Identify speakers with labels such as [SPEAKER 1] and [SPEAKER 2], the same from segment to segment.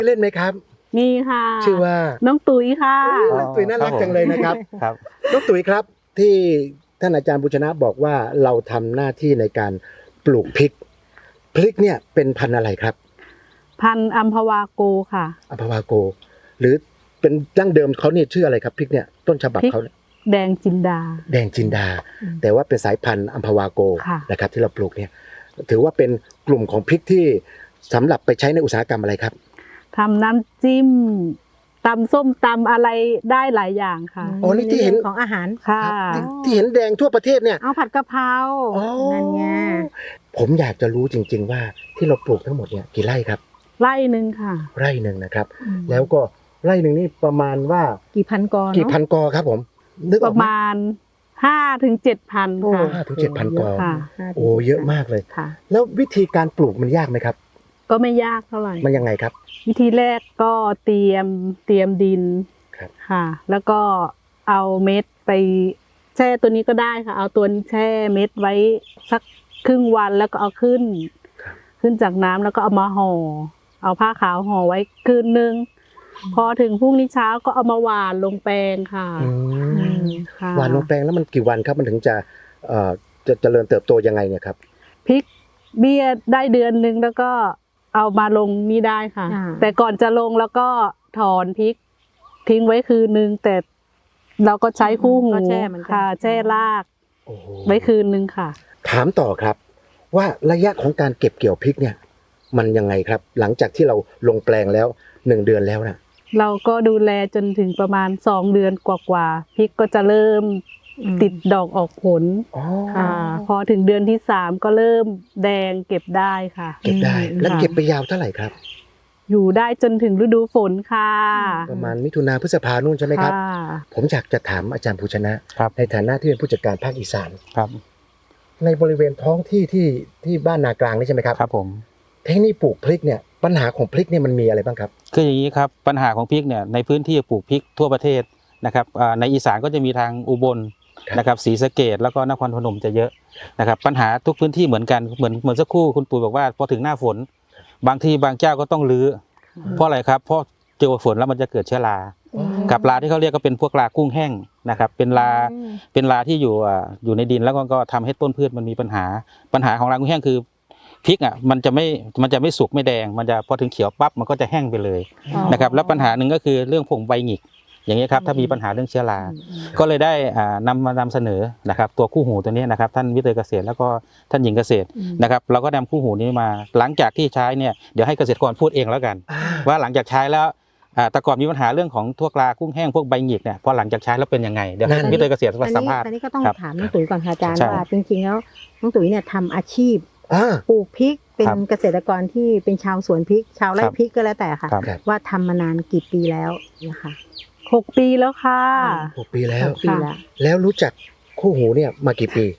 [SPEAKER 1] เล่นไหมครับ
[SPEAKER 2] มีค่ะ
[SPEAKER 1] ชื่อว่า
[SPEAKER 2] น้องตุ๋ยค่ะ
[SPEAKER 1] น้องตุ๋ยน่ารักจังเลยนะครับ
[SPEAKER 3] ครับ
[SPEAKER 1] น้องตุ๋ยครับที่ท่านอาจารย์บุญชนะบอกว่าเราทำหน้าที่ในการปลูกพริกเนี่ยเป็นพันธุ์อะไรครับ
[SPEAKER 2] พันธุ์อัมพวาโกค่ะ
[SPEAKER 1] อัมพวาโกหรือเป็นดั้งเดิมเขาเนี่ยชื่ออะไรครับพริกเนี่ยต้นฉบับเขา
[SPEAKER 2] แดงจินดา
[SPEAKER 1] แต่ว่าเป็นสายพันธุ์อัมพวาโกนะครับที่เราปลูกเนี่ยถือว่าเป็นกลุ่มของพริกที่สำหรับไปใช้ในอุตสาหกรรมอะไรครับ
[SPEAKER 2] ทำน้ำจิ้มตำส้มตำอะไรได้หลายอย่างค่ะ
[SPEAKER 1] อ๋อนี่ที่เห็น
[SPEAKER 4] ของอาหาร
[SPEAKER 2] ค่ะ
[SPEAKER 1] ที่เห็นแดงทั่วประเทศเนี่ย
[SPEAKER 4] เอาผัดกะเพรานั่นไง
[SPEAKER 1] ผมอยากจะรู้จริงๆว่าที่เราปลูกทั้งหมดเนี่ยกี่ไร่ครับ
[SPEAKER 2] ไร่หนึ่งค่ะ
[SPEAKER 1] ไร่หนึ่งนะครับแล้วก็ไร่หนึ่งนี่ประมาณว่า
[SPEAKER 4] กี่พันกอ
[SPEAKER 1] ครับผมนึกออก
[SPEAKER 2] ประมาณ5 ถึง 7,000ค่ะ
[SPEAKER 1] 5 ถึง 7,000 กอโอ้เยอะมากเลยแล้ววิธีการปลูกมันยากไหมครับ
[SPEAKER 2] ก็ไม่ยากเท่าไหร่
[SPEAKER 1] มันยังไงครับ
[SPEAKER 2] วิธีแรกก็เตรียมดินค่ะแล้วก็เอาเม็ดไปแช่ตัวนี้ก็ได้ค่ะเอาตัวนี้แช่เม็ดไว้สักครึ่งวันแล้วก็เอาขึ้นจากน้ำแล้วก็เอามาห่อเอาผ้าขาวห่อไว้คืนนึงพอถึงพรุ่งนี้เช้าก็เอามาหว่านลงแปลงค่ะ
[SPEAKER 1] หว่านลงแปลงแล้วมันกี่วันครับมันถึงจะเจริญเติบโตยังไงเนี่ยครับ
[SPEAKER 2] พริกเบี้ยได้เดือนนึงแล้วก็เอามาลงนี่ได้ค่ะแต่ก่อนจะลงแล้วก็ถอนพริกทิ้งไว้คืนนึงแต่เราก็ใช้คู่หูค่ะแช่รากไว้คืนนึงค่ะ
[SPEAKER 1] ถามต่อครับว่าระยะของการเก็บเกี่ยวพริกเนี่ยมันยังไงครับหลังจากที่เราลงแปลงแล้ว1 เดือนแล้วนะ
[SPEAKER 2] เราก็ดูแลจนถึงประมาณ2 เดือนกว่าพริกก็จะเริ่มติดดอกออกผลพอถึงเดือนที่3ก็เริ่มแดงเก็บได้ค่ะ
[SPEAKER 1] เก็บได้แล้วเก็บไปยาวเท่าไหร่ครับ
[SPEAKER 2] อยู่ได้จนถึงฤดูฝนค่ะ
[SPEAKER 1] ประมาณมิถุนาพฤษภานู่นใช่ไหมครับผมอยากจะถามอาจารย์ภูชนะในฐานะที่เป็นผู้จัดการภาคอีสาน
[SPEAKER 3] ครับ
[SPEAKER 1] ในบริเวณท้องที่บ้านนากลางนี่ใช่ไหมครับ
[SPEAKER 3] ครับผม
[SPEAKER 1] เทคนิคปลูกพริกเนี่ยปัญหาของพริกเนี่ยมันมีอะไรบ้างครับ
[SPEAKER 3] คืออย่างนี้ครับปัญหาของพริกเนี่ยในพื้นที่ปลูกพริกทั่วประเทศนะครับในอีสานก็จะมีทางอุบลนะครับศรีสะเกษแล้วก็นครพนมจะเยอะนะครับปัญหาทุกพื้นที่เหมือนกันเหมือนสักครู่คุณปู่บอกว่าพอถึงหน้าฝนบางที่บางเจ้าก็ต้องรื้อเพราะอะไรครับเพราะเจอฝนแล้วมันจะเกิดเชื้อรากับราที่เขาเรียกก็เป็นพวกรากุ้งแห้งนะครับเป็นราที่อยู่ในดินแล้วก็ทำให้ต้นพืชมันมีปัญหาของรากุ้งแห้งคือพริกมันจะไม่สุกไม่แดงมันจะพอถึงเขียวปั๊บมันก็จะแห้งไปเลยนะครับแล้วปัญหาหนึ่งก็คือเรื่องผงใบหงิกอย่างนี้ครับถ้ามีปัญหาเรื่องเชื้อราก็เลยได้นำเสนอนะครับตัวคู่หูตัวนี้นะครับท่านวิเตยเกษตรแล้วก็ท่านหญิงเกษตรนะครับเราก็นำคู่หูนี้มาหลังจากที่ใช้เนี่ยเดี๋ยวให้เกษตรกรพูดเองแล้วกันว่าหลังจากใช้แล้วแต่ก่อนมีปัญหาเรื่องของทั่วกลากุ้งแห้งพวกใบหงิกเนี่ยพอหลังจากใช้แล้วเป็นยังไงเดี๋ยววิเตยเกษตรสัมภาษณ์
[SPEAKER 4] อันนี้ก็ต้องถามน้องตุ๋ยก่อนค่ะอาจารย์ว่าจริงๆแล้วน้องตุ๋ยเนี่ยทำอาชีพปลูกพริกเป็นเกษตรกรที่เป็นชาวสวนพริกชาวไร่พริกก็แล้วแต่ค่ะว่าทำมานานกี่ปีแล้วนะคะ
[SPEAKER 2] 6 ปีแล้วค่ะ
[SPEAKER 1] 6 ปีแล้วแล้วรู้จักคู่หูเนี่ยมากี่ปี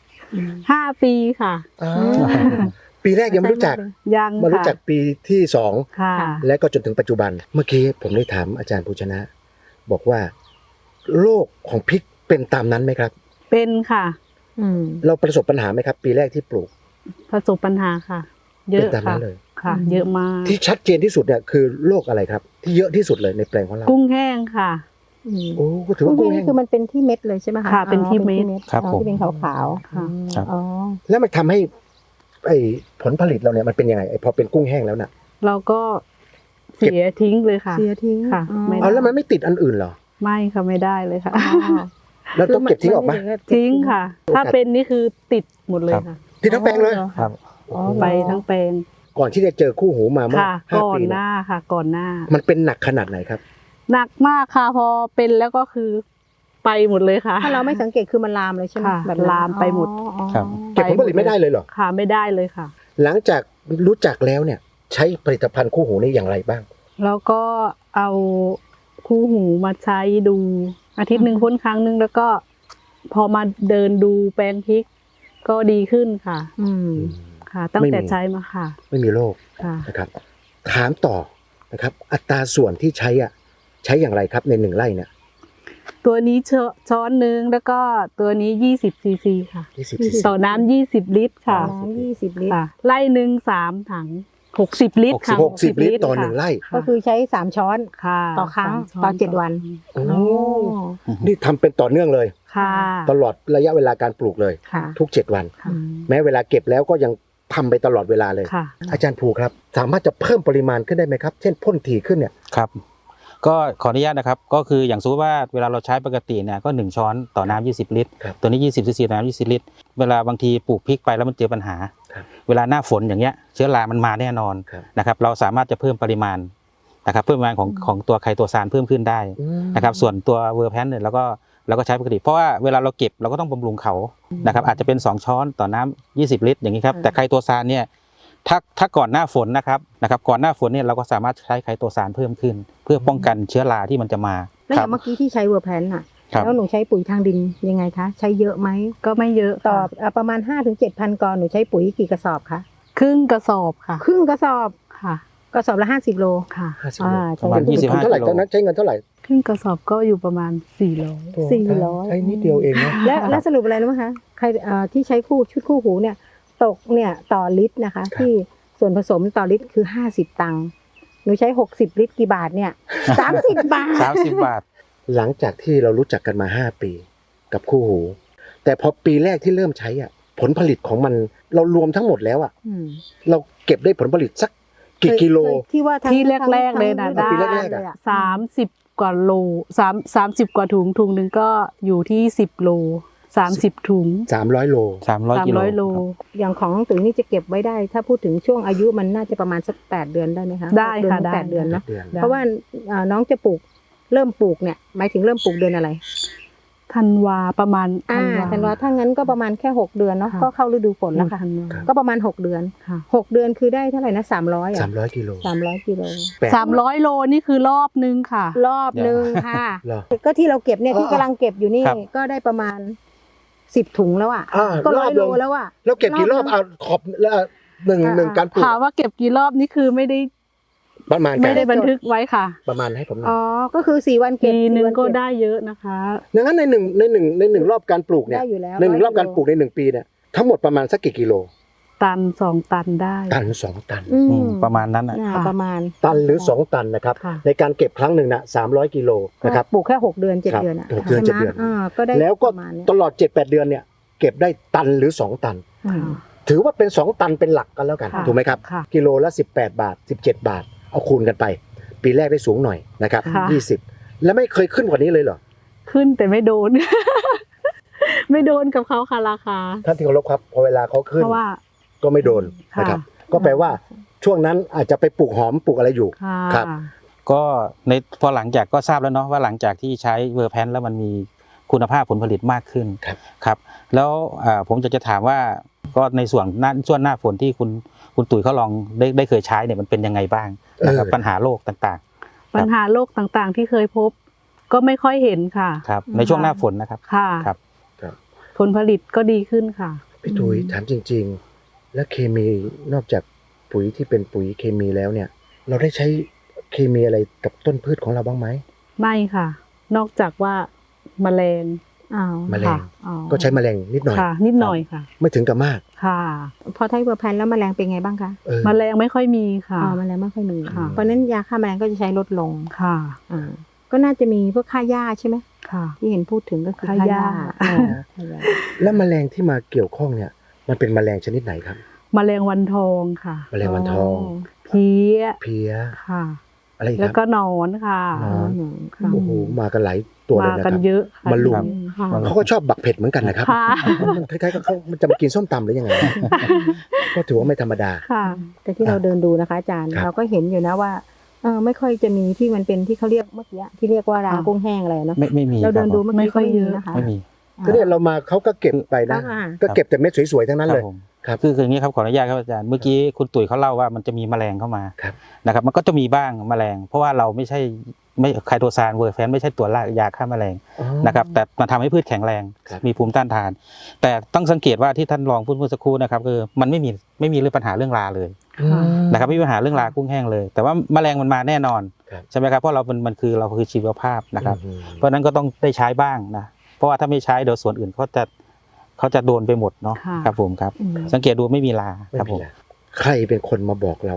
[SPEAKER 2] 5 ปีค่ะ
[SPEAKER 1] ปีแรกยังไม่รู้จักมารู้จักปีที่2
[SPEAKER 2] ค่ะ
[SPEAKER 1] และก็จนถึงปัจจุบันเมื่อกี้ผมได้ถามอาจารย์ภูชนะบอกว่าโรคของพริกเป็นตามนั้นไหมครับ
[SPEAKER 2] เป็นค่ะ
[SPEAKER 1] เราประสบปัญหาไหมครับปีแรกที่ปลูก
[SPEAKER 2] ประสบปัญหาค่ะเยอะค่ะเยอะมาก
[SPEAKER 1] ที่ชัดเจนที่สุดเนี่ยคือโรคอะไรครับที่เยอะที่สุดเลยในแปลงของเรา
[SPEAKER 2] กุ้งแห้งค่ะ
[SPEAKER 1] โอ้ถือว่ากุ้งแห้ง
[SPEAKER 4] คือมันเป็นที่เม็ดเลยใช่ไหมคะ
[SPEAKER 2] ค่ะเป็นที่เม็ด
[SPEAKER 4] ที่เป็นขาวๆ
[SPEAKER 2] ค่ะ
[SPEAKER 1] แล้วมันทำให้ผลผลิตเราเนี่ยมันเป็นยังไงพอเป็นกุ้งแห้งแล้วน่ะ
[SPEAKER 2] เราก็เสียทิ้งเลยค่ะ
[SPEAKER 4] เสียทิ้ง
[SPEAKER 2] ค่ะ
[SPEAKER 1] แล้วมันไม่ติดอันอื่นเหรอ
[SPEAKER 2] ไม่ค่ะไม่ได้เลยค่ะ
[SPEAKER 1] เราต้องเก็บทิ้งออกมา
[SPEAKER 2] ทิ้งค่ะถ้าเป็นนี่คือติดหมดเลยค่ะ
[SPEAKER 1] ติดทั้งแปลงเลย
[SPEAKER 3] ครับ
[SPEAKER 2] ไปทั้งแปลง
[SPEAKER 1] ก่อนที่จะเจอคู่หูมาเมื่อ
[SPEAKER 2] 5 ปีก่อนหน้าค่ะก่อนหน้า
[SPEAKER 1] มันเป็นหนักขนาดไหนครับ
[SPEAKER 2] หนักมากค่ะพอเป็นแล้วก็คือไปหมดเลยค่ะ
[SPEAKER 4] ถ้าเราไม่สังเกตคือมันลามเลยใช่ไหม
[SPEAKER 2] แบบลามไปหมด
[SPEAKER 1] เก็บผลผลิตไม่ได้เลยเหรอ
[SPEAKER 2] ค่ะไม่ได้เลยค่ะ
[SPEAKER 1] หลังจากรู้จักแล้วเนี่ยใช้ผลิตภัณฑ์คู่หูนี่อย่างไรบ้าง
[SPEAKER 2] แล้วก็เอาคู่หูมาใช้ดูอาทิตย์หนึ่งพ่นครั้งนึงแล้วก็พอมาเดินดูแปลงพริกก็ดีขึ้นค่ะค่ะตั้งแต่ใช้มาค่ะ
[SPEAKER 1] ไม่มีโรคนะครับถามต่อนะครับอัตราส่วนที่ใช้อย่างไรครับใน1 ไร่เนี่ย
[SPEAKER 2] ตัวนี้ช้อนนึงแล้วก็ตัวนี้20 ซีซีค่ะต่อน้ำ20 ลิตรค่ะ
[SPEAKER 4] 20 ลิตร
[SPEAKER 2] ไร่หนึ่ง3 ถัง 60 ลิตรค่ะ
[SPEAKER 1] 60 ลิตรต่อ1 ไร่
[SPEAKER 4] ก็คือใช้3 ช้อน
[SPEAKER 2] ค่ะ
[SPEAKER 4] ต่อครั้ง
[SPEAKER 2] 3 ช้น
[SPEAKER 4] ต่อ7 วัน
[SPEAKER 1] โอ้นี่ทำเป็นต่อเนื่องเลย
[SPEAKER 2] ค่ะ
[SPEAKER 1] ตลอดระยะเวลาการปลูกเลย
[SPEAKER 4] ค่ะ
[SPEAKER 1] ทุก7 วัน
[SPEAKER 2] ค่ะ
[SPEAKER 1] แม้เวลาเก็บแล้วก็ยังทำไปตลอดเวลาเลย
[SPEAKER 2] ค่ะ
[SPEAKER 1] อาจารย์ภูครับ สามารถจะเพิ่มปริมาณขึ้นได้ไหมครับ เช่นพ่นถี่ขึ้นเนี่ย
[SPEAKER 3] ครับก็ขออนุญาตนะครับก็คืออย่างสมมติว่าเวลาเราใช้ปกติเนี่ยก็1 ช้อนต่อน้ำ20 ลิตร
[SPEAKER 1] ครับ
[SPEAKER 3] ตัวนี้20 ซีซีต่อน้ำ20 ลิตรเวลาบางทีปลูกพริกไปแล้วมันเจอปัญหา
[SPEAKER 1] ครับ
[SPEAKER 3] เวลาหน้าฝนอย่างเงี้ยเชื้อรามันมาแน่นอน
[SPEAKER 1] ครับ
[SPEAKER 3] นะครับเราสามารถจะเพิ่มปริมาณนะครับเพิ่มปริมาณของตัวไคโตซานเพิ่มขึ้นได้นะครับส่วนตัวเวอร์แพนเนี่ยเราก็ใช้ปกติเพราะว่าเวลาเราเก็บเราก็ต้องบำรุงเขานะครับอาจจะเป็น2 ช้อนต่อน้ำ20 ลิตรอย่างนี้ครับแต่ไคโตซานเนี่ยถ้าก่อนหน้าฝนนะครับก่อนหน้าฝนเนี่ยเราก็สามารถใช้ไคโตซานเพิ่มขึ้น เพื่อป้องกันเชื้อราที่มันจะมา
[SPEAKER 4] แล้วอย่างเมื่อกี้ที่ใช้เวอร์แพนน่ะ
[SPEAKER 3] ครับ
[SPEAKER 4] แล้วหนูใช้ปุ๋ยทางดินยังไงคะใช้เยอะไหม
[SPEAKER 2] ก็ไม่เยอะ
[SPEAKER 4] ต่อ
[SPEAKER 2] ค่ะ
[SPEAKER 4] ประมาณ 5-7,000 กรหนูใช้ปุ๋ยกี่กระสอบคะ
[SPEAKER 2] ครึ่งกระสอบค่ะ
[SPEAKER 4] ครึ่งกระสอบ
[SPEAKER 2] ค่ะ
[SPEAKER 4] กระสอบละ50 โล
[SPEAKER 2] ค่ะ
[SPEAKER 1] 50 โล
[SPEAKER 3] ประมาณ
[SPEAKER 4] ใช้
[SPEAKER 3] 25
[SPEAKER 1] เท่าไหร่
[SPEAKER 3] กิโล
[SPEAKER 1] ตอนนั้นใช้เงินเท่าไหร่
[SPEAKER 2] ครึ่งกระสอบก็อยู่ประมาณ400
[SPEAKER 4] 400
[SPEAKER 1] ใช้นิดเดียวเองนะ
[SPEAKER 4] และสรุปอะไรรู้ไหมคะใครที่ใช้ชุดคู่หูเนี่ยตกเนี่ยต่อลิตรนะคะ ที่ส่วนผสมต่อลิตรคือ50 ตังค์หนูใช้60 ลิตรกี่บาทเนี่ย30 บาท
[SPEAKER 3] 30 บาท
[SPEAKER 1] หลังจากที่เรารู้จักกันมา5 ปีกับคู่หู แต่พอปีแรกที่เริ่มใช้อ่ะผลผลิตของมันเรารวมทั้งหมดแล้วอ่ะเราเก็บได้ผลผลิตสักกี่กิโล
[SPEAKER 4] ที่ว่า
[SPEAKER 2] ที่แรกๆเลยนะ
[SPEAKER 1] ปี
[SPEAKER 2] ได้
[SPEAKER 1] แรกๆอะ
[SPEAKER 2] 30 กว่าโล30 กว่าถุงหนึ่งก็อยู่ที่10 โล 30 ถุง
[SPEAKER 1] 300 โล
[SPEAKER 3] 300 กิโล
[SPEAKER 2] 300 โล
[SPEAKER 4] อย่างของตุ๋ยนี่จะเก็บไว้ได้ ถ้าพูดถึงช่วงอายุมันน่าจะประมาณสัก8 เดือนได้ไหมคะ
[SPEAKER 2] ได้ค่ะ
[SPEAKER 4] 6
[SPEAKER 2] ได้
[SPEAKER 4] 8 เดือนเนอะ
[SPEAKER 1] เดือน
[SPEAKER 2] ได้
[SPEAKER 4] เพราะว่าน้องจะปลูกเริ่มปลูกเนี่ยหมายถึงเริ่มปลูกเดือนอะไร
[SPEAKER 2] ธันวาประมาณ
[SPEAKER 4] ธันวาถ้างั้นก็ประมาณแค่6 เดือนเนาะ
[SPEAKER 2] ค่ะ
[SPEAKER 4] ก็เข้าฤดูฝนแล้วค่ะ
[SPEAKER 2] ธันวา
[SPEAKER 4] ก็ประมาณ6 เดือน
[SPEAKER 2] ค่ะ
[SPEAKER 4] 6 เดือนคือได้เท่าไหร่นะ300อ่ะ
[SPEAKER 1] 300 กิโล
[SPEAKER 4] 300 กิโล
[SPEAKER 2] 300 โลนี่คือรอบนึงค่ะ
[SPEAKER 4] รอบหนึ่งค่ะ
[SPEAKER 1] เหรอ
[SPEAKER 4] ก็ที่เราเก็บเนี่ยที่
[SPEAKER 1] อ๋อ
[SPEAKER 4] กำลังเก็บอยู่นี่
[SPEAKER 3] ครับ
[SPEAKER 4] ก็ได้ประมาณ10 ถุงแล้วอ่ะ ก็
[SPEAKER 1] รอบ
[SPEAKER 4] 100 โล
[SPEAKER 1] หนึ่ง
[SPEAKER 4] แล้วอ่ะ
[SPEAKER 1] แล้วเก็บกี่รอบเอาขอบแล้วหนึ่งการปลูก
[SPEAKER 2] ถามว่าเก็บกี่รอบนี่คือไม่ได้
[SPEAKER 1] ประมาณ
[SPEAKER 2] ไม่
[SPEAKER 1] กัน
[SPEAKER 2] ได้บันทึกไว้ค่ะ
[SPEAKER 1] ประมาณให้ผมหน่อ
[SPEAKER 4] อ๋
[SPEAKER 1] ย
[SPEAKER 4] อก็คือ4 วันเก็บ
[SPEAKER 2] ปีนึง
[SPEAKER 4] 4 วัน
[SPEAKER 2] ก็
[SPEAKER 4] เบ
[SPEAKER 2] ได้เยอะนะคะ
[SPEAKER 1] ดังนั้นในหนึ่งรอบการปลูกเนี่ย
[SPEAKER 4] ได้อยู่แล้ว
[SPEAKER 1] ใน1 รอบการปลูกใน1 ปีเนี่ยทั้งหมดประมาณสักกี่กิโล
[SPEAKER 2] ตัน 2 ตันได้
[SPEAKER 1] ตัน2 ตัน
[SPEAKER 4] อืม
[SPEAKER 3] ประมาณนั้นอ่ะ
[SPEAKER 4] น่า
[SPEAKER 2] ค่ะ
[SPEAKER 4] ประมาณ
[SPEAKER 1] ตันหรือ2 ตันนะครับ
[SPEAKER 2] ค่ะ
[SPEAKER 1] ในการเก็บครั้งหนึ่งนะ300 กิโลนะครับ
[SPEAKER 4] ปลูกแค่6 เดือน
[SPEAKER 1] ครับ
[SPEAKER 4] 7 เดือนอ่ะ
[SPEAKER 1] 6 เดือน
[SPEAKER 4] ใช่ไหม
[SPEAKER 1] 7 เดือน
[SPEAKER 4] ก็ได้
[SPEAKER 1] แล้วก็
[SPEAKER 4] ประมาณเนี้ย
[SPEAKER 1] ตลอด 7-8 เดือนเนี่ยเก็บได้ตันหรือ2 ตัน
[SPEAKER 4] อืม
[SPEAKER 1] ถือว่าเป็น2 ตันเป็นหลักกันแล้วกัน
[SPEAKER 2] ค่ะ
[SPEAKER 1] ถูกไหมครับ
[SPEAKER 2] ค่ะ
[SPEAKER 1] กิโลละ18 บาท 17 บาท เอาคูณกันไป ปีแรกได้สูงหน่อยนะครับ
[SPEAKER 2] ค่ะ
[SPEAKER 1] 20 แล้วไม่เคยขึ้นกว่านี้เลยเหรอ
[SPEAKER 2] ขึ้นแต่ไม่โดน ไม่โดนกับเขาค่ะราคา
[SPEAKER 1] ท่านที่เคารพครับพอเวลาเขาขึ้น
[SPEAKER 2] เพราะว่า
[SPEAKER 1] ก็ไม่โดน
[SPEAKER 2] ค่ะ
[SPEAKER 1] นะครับ ก็แปลว่าช่วงนั้นอาจจะไปปลูกหอมปลูกอะไรอยู่
[SPEAKER 2] ค่ะ
[SPEAKER 1] ครับ
[SPEAKER 3] ก็ในพอหลังจากก็ทราบแล้วเนาะว่าหลังจากที่ใช้เวอร์แพนแล้วมันมีคุณภาพผลผลิตมากขึ้น
[SPEAKER 1] ครับ
[SPEAKER 3] ครับ แล้วผมจะถามว่าก็ในส่วนหน้าฝนที่คุณตุ๋ยเขาลองได้เคยใช้เนี่ยมันเป็นยังไงบ้างนะครับปัญหาโรคต่าง
[SPEAKER 2] ปัญหาโรคต่างๆที่เคยพบ ก็ไม่ค่อยเห็นค่ะ
[SPEAKER 3] ๆครับในช่วงหน้าฝนนะครับ
[SPEAKER 2] ค่ะ
[SPEAKER 3] ครับ
[SPEAKER 2] ผลผลิตก็ดีขึ้นค่ะ
[SPEAKER 1] พี่ตุ๋ยถามจริง ๆ แล้วเคมีนอกจากปุ๋ยที่เป็นปุ๋ยเคมีแล้วเนี่ย เราได้ใช้เคมีอะไรกับต้นพืชของเราบ้างไหม
[SPEAKER 2] ไม่ค่ะ นอกจากว่าแมลง
[SPEAKER 4] อ้าว
[SPEAKER 1] แมลง
[SPEAKER 2] ค่ะอ๋อ
[SPEAKER 1] ก็ใช้แมลงนิดหน่อย
[SPEAKER 2] ค่ะ นิดหน่อยค่ะ
[SPEAKER 1] ไม่ถึงกับมาก
[SPEAKER 2] ค่ะ
[SPEAKER 4] พอใช้เวอร์แพนแล้วแมลงเป็นไงบ้างคะ
[SPEAKER 2] แมลงไม่ค่อยมีค่ะ
[SPEAKER 4] อ๋อแมลงไม่ค่อยมี
[SPEAKER 2] ค่ะ
[SPEAKER 4] เพราะฉะนั้นยาฆ่าแมลงก็จะใช้ลดลง
[SPEAKER 2] ค่ะ
[SPEAKER 4] ก็น่าจะมีพวกฆ่าหญ้าใช่ไหม
[SPEAKER 2] ค่ะ
[SPEAKER 4] ที่เห็นพูดถึงก็คือ
[SPEAKER 2] ฆ่าหญ้า
[SPEAKER 4] ฆ่าหญ้า
[SPEAKER 1] แล้วแมลงที่มาเกี่ยวข้องเนี่ย มันเป็นแมลงชนิดไหนครับ
[SPEAKER 2] แมลงวันทองค่ะ
[SPEAKER 1] แมลงวันทอง
[SPEAKER 2] เพี้ย
[SPEAKER 1] เพี้ย
[SPEAKER 2] ค่ะ
[SPEAKER 1] อะไรอีก
[SPEAKER 2] แล้
[SPEAKER 1] คว รับ
[SPEAKER 2] ก็หนอนค่ะ
[SPEAKER 1] หนอน
[SPEAKER 2] ค่ะ
[SPEAKER 1] โอ้โหมากันหลายตัวเลย
[SPEAKER 2] มา
[SPEAKER 1] นะค
[SPEAKER 2] กัน
[SPEAKER 1] รับ
[SPEAKER 2] เยอะค่ะ
[SPEAKER 1] มาลุม
[SPEAKER 2] ค่ะ
[SPEAKER 1] เขาก็ชอบบักเผ็ดเหมือนกันนะครับ
[SPEAKER 2] ค่ะ
[SPEAKER 1] มันคล้ายๆกับเขามันจะมากินส้มตำหรือยังไง ก็ถือว่าไม่ธรรมดา
[SPEAKER 2] ค่ะ
[SPEAKER 4] แต่ที่เราเดินดูนะคะอาจารย์
[SPEAKER 1] ครับ
[SPEAKER 4] เราก็เห็นอยู่นะว่าไม่ค่อยจะมีที่มันเป็นที่เขาเรียกเมื่อกี้ที่เรียกว่ารากุ้งแห้งอะไรเนาะ
[SPEAKER 3] ไม่มี
[SPEAKER 4] เราเดินดู
[SPEAKER 3] ค
[SPEAKER 4] เมื่อ
[SPEAKER 2] ไม่
[SPEAKER 4] กี้
[SPEAKER 2] ค่อยเยอะ
[SPEAKER 4] นะคะ
[SPEAKER 3] รับไม่มี
[SPEAKER 1] ก็เนี่ยเรามาเขาก็เก็บไปนะ
[SPEAKER 4] อ่า
[SPEAKER 1] ก็เก็บแต่เม็ดสวยๆทั้งนั้น
[SPEAKER 3] ครั
[SPEAKER 1] เล
[SPEAKER 3] บ
[SPEAKER 1] ย
[SPEAKER 3] ผม
[SPEAKER 1] ครับ
[SPEAKER 3] คืออย่างนี้ครับขออนุญาตครับอาจารย์เมื่อกี้คุณตุ๋ยเขาเล่าว่ามันจะมีแมลงเข้ามา
[SPEAKER 1] ครับ
[SPEAKER 3] นะครับมันก็จะมีบ้างแมลง เพราะว่าเราไม่ไคโตซานเวอร์แพนไม่ใช่ตัวล่ายาฆ่าแมลง
[SPEAKER 1] อ๋อ
[SPEAKER 3] นะครับแต่มันทำให้พืชแข็งแรง
[SPEAKER 1] ครับ
[SPEAKER 3] มีภูมิต้านทาน แต่ต้องสังเกตว่าที่ท่านรองพูดเมื่อสักครู่นะครับคือมันไม่มีเรื่องปัญหาเรื่องราเลย
[SPEAKER 1] อืม
[SPEAKER 3] นะครับไม่มีปัญหาเรื่องรากุ้งแห้งเลย แต่ว่าแมลงมันมาแน่นอน
[SPEAKER 1] ครับ
[SPEAKER 3] ใช่ไหมครับเพราะเราเราคือชีวภาพนะครับ
[SPEAKER 1] อืม
[SPEAKER 3] เพราะฉะนั้นก็ต้องได้ใช้บ้างนะเพราะว่าถ้าไม่ใช้เดี๋ยวส่วนอื่นเขาจะโดนไปหมดเนาะ
[SPEAKER 2] ค่ะ
[SPEAKER 3] ครับผมครับ
[SPEAKER 4] อืม
[SPEAKER 3] สังเกตดูไม่มีรา
[SPEAKER 1] ไม่
[SPEAKER 3] ครับ
[SPEAKER 1] มี
[SPEAKER 3] ผม
[SPEAKER 1] แล้วใครเป็นคนมาบอกเรา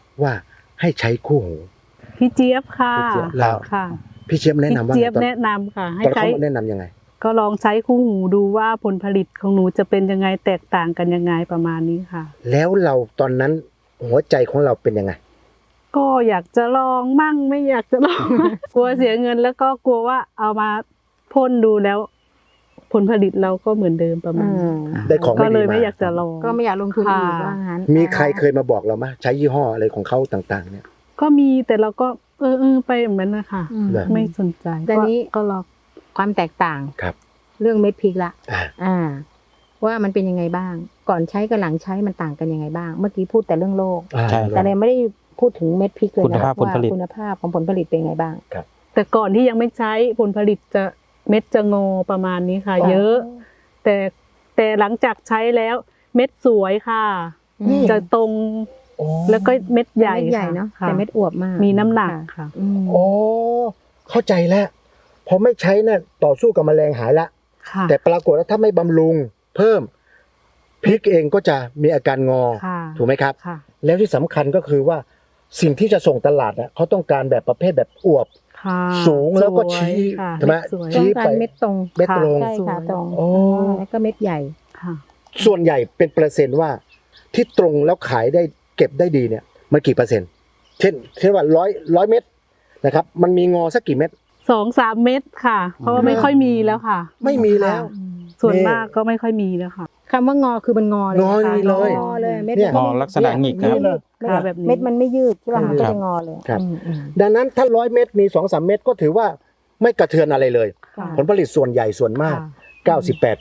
[SPEAKER 1] ว่าให้ใช้คู่หู
[SPEAKER 2] พี่เจี๊ยบค่ะ
[SPEAKER 3] พี่เจี๊ยบ
[SPEAKER 1] แล้ว
[SPEAKER 2] ค่ะ
[SPEAKER 1] พี่เจี๊ยบแนะนำว่า
[SPEAKER 2] พี่เจี๊ยบ
[SPEAKER 1] ตอน
[SPEAKER 2] แนะนำค่ะ ให้
[SPEAKER 1] ตอน
[SPEAKER 2] ใช้
[SPEAKER 1] เขาแนะนำยังไง
[SPEAKER 2] ก็ลองใช้คู่หูดูว่าผลผลิตของหนูจะเป็นยังไงแตกต่างกันยังไงประมาณนี้ค่ะ
[SPEAKER 1] แล้วเราตอนนั้นหัวใจของเราเป็นยังไง
[SPEAKER 2] ก็อยากจะลองมั่งไม่อยากจะลอง กลัวเสียเงินแล้วก็กลัวว่าเอามาพ่นดูแล้ว ผลผลิตเราก็เหมือนเดิมประมาณนี้
[SPEAKER 1] ได้ของ
[SPEAKER 2] ก็
[SPEAKER 1] ไม่
[SPEAKER 2] เล
[SPEAKER 1] ดี
[SPEAKER 2] ย
[SPEAKER 1] มา
[SPEAKER 2] ไม่อยากจะลอง
[SPEAKER 4] ก็ไม่อยากลงทุนอีก
[SPEAKER 2] ค่ะ
[SPEAKER 4] ว่างั้น
[SPEAKER 1] มีใครเคยมาบอกเราไหมใช้ยี่ห้ออะไรของเขาต่างๆ เนี่ย
[SPEAKER 2] ก็มีแต่เราก็ไปเหมือนนะคะ
[SPEAKER 4] อืม
[SPEAKER 1] เหรอ
[SPEAKER 2] ไม่สนใจ
[SPEAKER 4] แต่นี้
[SPEAKER 2] ก็ลอง
[SPEAKER 4] ความแตกต่าง
[SPEAKER 1] ครับ
[SPEAKER 4] เรื่องเม็ดพริกละ
[SPEAKER 1] อ่า
[SPEAKER 4] ว่ามันเป็นยังไงบ้าง ก่อนใช้กับหลังใช้มันต่างกันยังไงบ้าง เมื่อกี้พูดแต่เรื่องโรค
[SPEAKER 3] ใช่
[SPEAKER 4] แต่เลยไม่ได้พูดถึงเม็ดพริกเลย
[SPEAKER 3] คุณ
[SPEAKER 4] นะ
[SPEAKER 3] ภาพผลผลิต
[SPEAKER 4] ว่าคุณภาพของผลผลิตเป็นยังไงบ้าง
[SPEAKER 2] แต่ก่อนที่ยังไม่ใช้ผลผลิตจะเม็ดจะงอประมาณนี้ค่ะ เยอะ แต่หลังจากใช้แล้วเม็ดสวยค่ะ
[SPEAKER 4] อืม
[SPEAKER 2] จะตรง
[SPEAKER 1] โอ้
[SPEAKER 2] แล้วก็เม็ดใหญ่
[SPEAKER 4] เม็ดใหญ่เนาะ
[SPEAKER 2] ค่
[SPEAKER 4] แต่เม็ดอวบมาก
[SPEAKER 2] มีน้ำหนักค่ะ
[SPEAKER 4] อืม
[SPEAKER 1] โอ้เข้าใจแล้วพอไม่ใช้น่ะต่อสู้กับแมลงหายละ
[SPEAKER 2] ค่ะ
[SPEAKER 1] แต่ปรากฏว่าถ้าไม่บำรุงเพิ่มพริกเองก็จะมีอาการงอ
[SPEAKER 2] ค่ะ
[SPEAKER 1] ถูกไหมครับ
[SPEAKER 2] ค่ะ
[SPEAKER 1] แล้วที่สำคัญก็คือว่าสิ่งที่จะส่งตลาดน่ะเขาต้องการแบบประเภทแบบอวบ
[SPEAKER 2] ค่ะ
[SPEAKER 1] สูงแล้วก็
[SPEAKER 2] สย
[SPEAKER 1] ชี้
[SPEAKER 2] ค่ะ
[SPEAKER 1] ใช่ไหม
[SPEAKER 2] สวย
[SPEAKER 1] ชี้
[SPEAKER 4] ต้องการเม็ดตรง
[SPEAKER 1] เม็ดตรง
[SPEAKER 4] ใช่ค่ะตรง
[SPEAKER 1] โอ้
[SPEAKER 4] แล้วก็เม็ดใหญ่
[SPEAKER 2] ค่ะ
[SPEAKER 1] ส่วนใหญ่เป็นเปอร์เซ็นต์ว่าที่ตรงแล้วขายได้เก็บได้ดีเนี่ยมันกี่เปอร์เซ็นต์เช่นว่าร้อยเม็ดนะครับมันมีงอสักกี่เม็ด
[SPEAKER 2] 2-3 เม็ดค่ะ เพราะว่าไม่ค่อยมีแล้วค่ะ
[SPEAKER 1] ไม่มีแล้ว
[SPEAKER 2] ค่ะส่วนมากก็ไม่ค่อยมีแล้วค่ะ
[SPEAKER 4] คำว่างอคือมันงอเลย
[SPEAKER 1] งอ
[SPEAKER 4] นะคะ
[SPEAKER 1] เลย
[SPEAKER 4] งอเลยเม็ด
[SPEAKER 1] เนี่ย
[SPEAKER 4] มัน
[SPEAKER 3] งอลักษณะหงิกนะครับ
[SPEAKER 1] นี่เลย
[SPEAKER 2] ค่ะแบบนี้
[SPEAKER 4] เม็ดมันไม่ยืดใช่ป่ะ
[SPEAKER 1] ครับ
[SPEAKER 4] ก็จะงอเลย
[SPEAKER 1] ครับ
[SPEAKER 4] อืม
[SPEAKER 1] ดังนั้นถ้า100 เม็ดมี 2-3 เม็ดก็ถือว่าไม่กระเทือนอะไรเลย
[SPEAKER 4] ค่ะ
[SPEAKER 1] ผลผลิตส่วนใหญ่ส่วนมาก
[SPEAKER 2] ค่ะ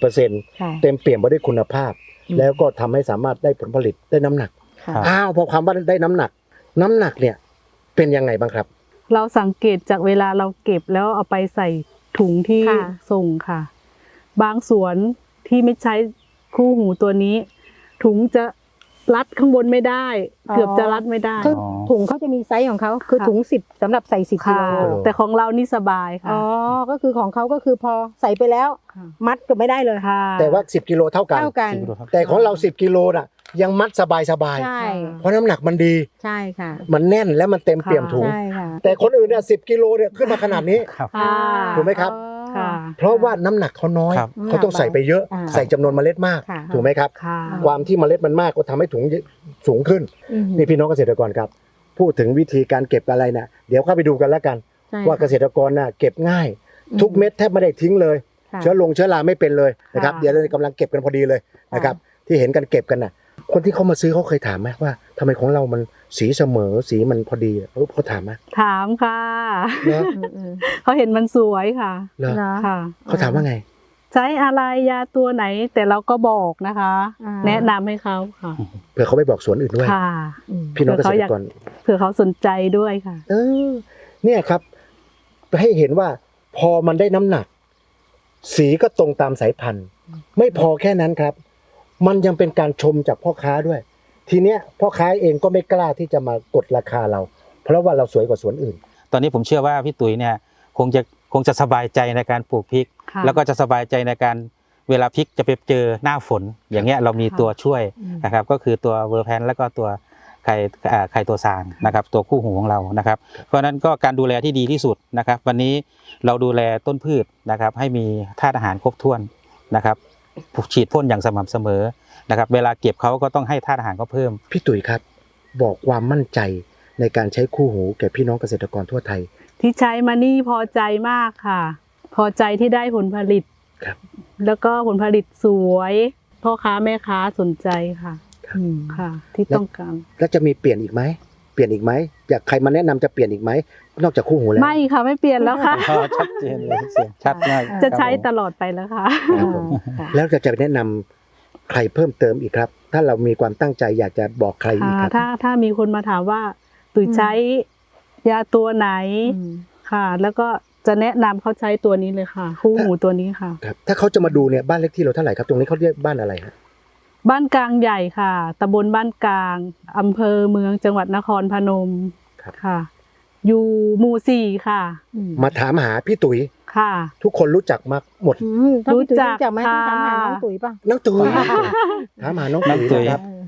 [SPEAKER 1] 98%
[SPEAKER 4] ค่ะ
[SPEAKER 1] เต็มเปี่ยมไปด้วยคุณภาพ
[SPEAKER 4] อืม
[SPEAKER 1] แล้วก็ทำให้สามารถได้ผลผลิตได้น้ำหนัก
[SPEAKER 4] ค่ะ
[SPEAKER 3] ครับ
[SPEAKER 1] อ้าวพอความว่าได้น้ำหนักเนี่ยเป็นยังไงบ้างครับ
[SPEAKER 2] เราสังเกตจากเวลาเราเก็บแล้วเอาไปใส่ถุงที่
[SPEAKER 4] ค่ะ
[SPEAKER 2] ส่งค่ะ บางสวนที่ไม่ใช้คู่หูตัวนี้ ถุงจะรัดข้างบนไม่ได้ เกือบจะรัดไม่ได้
[SPEAKER 4] คือถุงเขาจะมีไซส์ของเขาคือ
[SPEAKER 2] ค่ะ
[SPEAKER 4] ถุง10สำหรับใส่10กิ
[SPEAKER 2] ค่ะ
[SPEAKER 4] โล
[SPEAKER 2] แต่ของเรานี่สบายค่ะ
[SPEAKER 4] อ๋อก็คือของเขาก็คือพอใส่ไปแล้ว
[SPEAKER 2] ค่ะ
[SPEAKER 4] มัดก็ไม่ได้เลย
[SPEAKER 2] ค่ะ
[SPEAKER 1] แต่ว่า10 กิโลเท่ากัน
[SPEAKER 4] เท่ากัน
[SPEAKER 1] แต่ของเรา10 กิโลน่ะยังมัดสบาย
[SPEAKER 4] ใช่
[SPEAKER 1] เพราะน้ำหนักมันดี
[SPEAKER 4] ใช่ค่ะ
[SPEAKER 1] มันแน่นและมันเต็มเปี่ยมถุง
[SPEAKER 4] ใช่ค่ะ
[SPEAKER 1] แต่คนอื่นเนี่ย10 กิโลเนี่ยขึ้นมาขนาดนี้
[SPEAKER 3] ครับ
[SPEAKER 2] ค่ะ
[SPEAKER 1] ถูกไหมครับ
[SPEAKER 2] ค่ะ
[SPEAKER 1] เพราะว่าน้ำหนักเขาน้อย
[SPEAKER 3] ครับ
[SPEAKER 1] เขาต้องใส่ไปเยอะ
[SPEAKER 4] อ่า
[SPEAKER 1] ใส่จำนวนเมล็ดมาก
[SPEAKER 4] ค่ะ
[SPEAKER 1] ถูกไหมครับ
[SPEAKER 2] ค่ะ
[SPEAKER 1] ความที่เมล็ดมันมากก็ทำให้ถุงสูงขึ้น
[SPEAKER 4] อืม
[SPEAKER 1] นี่พี่น้องเกษตรกรครับ พูดถึงวิธีการเก็บอะไรนะเดี๋ยวเข้าไปดูกันแล้วกัน
[SPEAKER 4] ใช่
[SPEAKER 1] ว่าเกษตรกรน่ะเก็บง่าย ทุกเม็ดแทบไม่ได้ทิ้งเลย
[SPEAKER 4] ค่ะ
[SPEAKER 1] เชื้อราไม่เป็นเลยนะครับ
[SPEAKER 2] ค่ะ
[SPEAKER 1] เดี๋ยวเรากำลังเก็บกันพอดีเลยนะครับ ที่เห็นกันเก็บกันน่ะ คนที่เขามาซื้อเขาเคยถามไหมว่าทำไมของเรามันสีเสมอสีมันพอดีเขาถามไหม
[SPEAKER 2] ถามค่ะ
[SPEAKER 1] เนอะ
[SPEAKER 4] อืม
[SPEAKER 2] เขาเห็นมันสวยค่ะ
[SPEAKER 1] เหรอ
[SPEAKER 4] เนอะ
[SPEAKER 2] ค่ะ
[SPEAKER 1] เขาถามว่าไง
[SPEAKER 2] ใช้อะไรยาตัวไหน แต่เราก็บอกนะคะ
[SPEAKER 4] อ่า
[SPEAKER 2] แนะนำให้เขาค่ะ
[SPEAKER 1] เผื่อเขาไปบอกสวนอื่นด้วย
[SPEAKER 2] ค่ะ
[SPEAKER 4] อืม
[SPEAKER 1] พี่น้องเกษตรกร
[SPEAKER 2] เผื่อเขาสนใจด้วยค่ะ
[SPEAKER 1] เนี่ยครับให้เห็นว่าพอมันได้น้ำหนัก สีก็ตรงตามสายพันธุ์ ไม่พอแค่นั้นครับ มันยังเป็นการชมจากพ่อค้าด้วย ทีเนี้ยพ่อค้าเองก็ไม่กล้าที่จะมากดราคาเรา เพราะว่าเราสวยกว่าสวนอื่น
[SPEAKER 3] ตอนนี้ผมเชื่อว่าพี่ตุ๋ยเนี่ยคงจะสบายใจในการปลูกพริก
[SPEAKER 2] ค่ะ
[SPEAKER 3] แล้วก็จะสบายใจในการเวลาพริกจะไปเจอหน้าฝน อย่างเงี้ยเรามีตัวช่วยนะครับ ก็คือตัวเวอร์แพนแล้วก็ตัวไข่ตัวซางนะครับ ตัวคู่หูของเรานะครับ เพราะฉะนั้นก็การดูแลที่ดีที่สุดนะครับ วันนี้เราดูแลต้นพืชนะครับ ให้มีธาตุอาหารครบถ้วนนะครับฉีดพ่นอย่างสม่ำเสมอนะครับ เวลาเก็บเขาก็ต้องให้ธาตุอาหารเขาเพิ่ม
[SPEAKER 1] พี่ตุ๋ยครับ บอกความมั่นใจในการใช้คู่หูแก่พี่น้องเกษตรกรทั่วไทย
[SPEAKER 2] ที่ใช้มานี่พอใจมากค่ะ พอใจที่ได้ผลผลิต
[SPEAKER 1] ครับ
[SPEAKER 2] แล้วก็ผลผลิตสวยพ่อค้าแม่ค้าสนใจค่ะ
[SPEAKER 4] อืม
[SPEAKER 2] ค่ะ ที่ต้องการ
[SPEAKER 1] แล้วจะมีเปลี่ยนอีกไหมเปลี่ยนอีกไหมอยากใครมาแนะนำจะเปลี่ยนอีกไหมนอกจากคู่หูแล้ว
[SPEAKER 2] ไม่ค่ะไม่เปลี่ยนแล้วค่ะ
[SPEAKER 3] ชัดเจนเลยเสียงชัดมาก
[SPEAKER 2] จะใช้
[SPEAKER 3] ครับผม
[SPEAKER 2] ตลอดไปแล้วค่ะ
[SPEAKER 1] ครับผม
[SPEAKER 4] ค่ะ
[SPEAKER 1] แล้วจะแนะนำใครเพิ่มเติมอีกครับ ถ้าเรามีความตั้งใจอยากจะบอกใครอีกครับ
[SPEAKER 2] ถ้ามีคนมาถามว่าตุ๋ยใช้ยาตัวไหน
[SPEAKER 4] อืม
[SPEAKER 2] ค่ะ แล้วก็จะแนะนำเขาใช้ตัวนี้เลยค่ะ คู่หูตัวนี้ค่ะ
[SPEAKER 1] ครับถ้าเขาจะมาดูเนี่ยบ้านเลขที่เราเท่าไหร่ครับตรงนี้เขาเรียกบ้านอะไรฮะ
[SPEAKER 2] บ้านกลางใหญ่ค่ะตำบลบ้านกลางอำเภอเมืองจังหวัดนครพนมค่ะ อยู่หมู่4ค่ะ
[SPEAKER 1] มาถามหาพี่ตุ๋ย
[SPEAKER 2] ค่ะ
[SPEAKER 1] ทุกคนรู้จักมาหมด
[SPEAKER 4] ถ้าพี่ตุ๋ย
[SPEAKER 2] รู้จัก
[SPEAKER 4] รู้จักไหมต้องถามหา
[SPEAKER 2] ค่ะ
[SPEAKER 4] น้องตุ๋ยป่ะ
[SPEAKER 1] น้องตุ๋ยถามหาน้อง
[SPEAKER 3] น้องตุ๋
[SPEAKER 1] ตุ๋ย
[SPEAKER 3] ย
[SPEAKER 1] นะครับ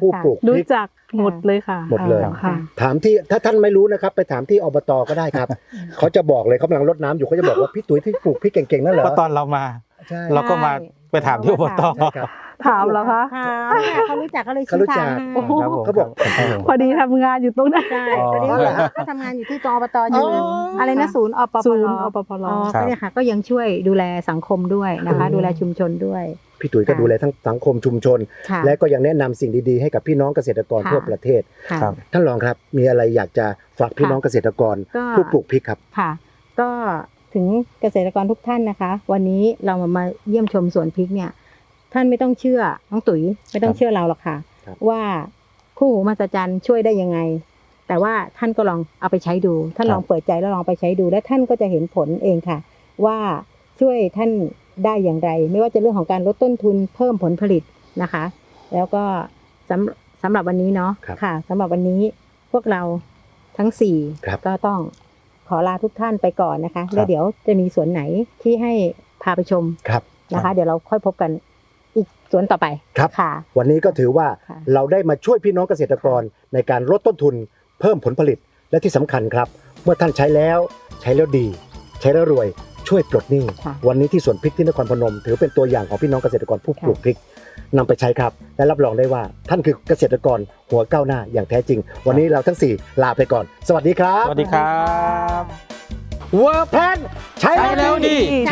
[SPEAKER 1] ผู้ปลูกพ
[SPEAKER 2] รู้
[SPEAKER 1] ริก
[SPEAKER 2] จักหมดเลยค่ะ
[SPEAKER 1] หมดเลย
[SPEAKER 2] ค่ะ
[SPEAKER 1] ถามที่ถ้าท่านไม่รู้นะครับ ไปถามที่อบตก็ได้ครับ เขาจะบอกเลยเขากำลังรดน้ำอยู่เขาจะบอกว่าพี่ตุ๋ยที่ปลูกพริกเก่งๆนั่นเหร
[SPEAKER 3] เพ
[SPEAKER 1] อ
[SPEAKER 3] ราะตอนเรามา
[SPEAKER 1] ใช่
[SPEAKER 3] เราก็มาไปถามที่อบต
[SPEAKER 1] ใช่ครับ
[SPEAKER 2] ถามเหรอคะ
[SPEAKER 4] เขารู้จักก็เลย
[SPEAKER 1] เขารู้จัก
[SPEAKER 2] โอ้โห
[SPEAKER 3] ครับผม
[SPEAKER 1] เขาบอก
[SPEAKER 2] พอดีทำงานอยู่ตรงนั้น
[SPEAKER 4] ใช่
[SPEAKER 3] อ๋อ
[SPEAKER 4] ตอนนี้เขาทำงานอยู่ที่กอบตอยู่
[SPEAKER 1] อ๋ออ
[SPEAKER 4] อะไรนะศูนย์อปป
[SPEAKER 2] ศูน
[SPEAKER 4] ล
[SPEAKER 2] ย์อปปล
[SPEAKER 4] อ๋อก็เนี่ยค่ะก็ยังช่วยดูแลสังคมด้วยนะคะ ดูแลชุมชนด้วย
[SPEAKER 1] พี่ตุ๋ยก็ดูแลทั้งสังคมชุมชน
[SPEAKER 4] ค่ะ
[SPEAKER 1] และก็ยังแนะนำสิ่งดีๆให้กับพี่น้องเกษตรกร
[SPEAKER 4] ค่ะ
[SPEAKER 1] ทั่วประเทศ
[SPEAKER 4] ค่ะ
[SPEAKER 3] ครับ
[SPEAKER 1] ท่านรองครับ มีอะไรอยากจะฝากพี่น้องเกษตรกร
[SPEAKER 4] ก็
[SPEAKER 1] ผู้ปลูกพริกครับ
[SPEAKER 4] ค่ะ ก็ถึงเกษตรกรทุกท่านนะคะ วันนี้เรามาเยี่ยมชมสวนพริกเนี่ย ท่านไม่ต้องเชื่อน้องตุ๋ยไม่ต้องเชื่อเราหรอกค่ะ
[SPEAKER 1] ครับ
[SPEAKER 4] ว่าคู่หูมหัศจรรย์ช่วยได้ยังไง แต่ว่าท่านก็ลองเอาไปใช้ดู ท่านลองเปิดใจแล้วลองไปใช้ดู และท่านก็จะเห็นผลเองค่ะ ว่าช่วยท่านได้อย่างไร ไม่ว่าจะเรื่องของการลดต้นทุนเพิ่มผลผลิตนะคะ แล้วก็สำหรับวันนี้เนาะ
[SPEAKER 1] ครับ
[SPEAKER 4] ค่ะสำหรับวันนี้พวกเราทั้งสี่
[SPEAKER 1] ครับ
[SPEAKER 4] ก็ต้องขอลาทุกท่านไปก่อนนะคะ แล้วเดี๋ยวจะมีสวนไหนที่ให้พาไปชม
[SPEAKER 1] ครับ
[SPEAKER 4] นะคะ เดี๋ยวเราค่อยพบกันอีกสวนต่อไป
[SPEAKER 1] ครับ
[SPEAKER 4] ค่ะ
[SPEAKER 1] วันนี้ก็ถือว่า
[SPEAKER 4] ค่ะ
[SPEAKER 1] เราได้มาช่วยพี่น้องเกษตรกรในการลดต้นทุน เพิ่มผลผลิตและที่สำคัญครับ เมื่อท่านใช้แล้วดี ใช้แล้วรวยช่วยปลดหนี้
[SPEAKER 4] ค่ะ
[SPEAKER 1] วันนี้ที่สวนพริกที่นครพนม ถือเป็นตัวอย่างของพี่น้องเกษตรกรผู้ปลูกพริกนำไปใช้ครับ และรับรองได้ว่าท่านคือเกษตรกรหัวก้าวหน้าอย่างแท้จริง วันนี้เราทั้ง 4 ลาไปก่อน สวัสดีครับ
[SPEAKER 3] สวัสดีครับ
[SPEAKER 1] เวอร์แพนใช้
[SPEAKER 3] ใช้แล้วดี
[SPEAKER 4] ใช้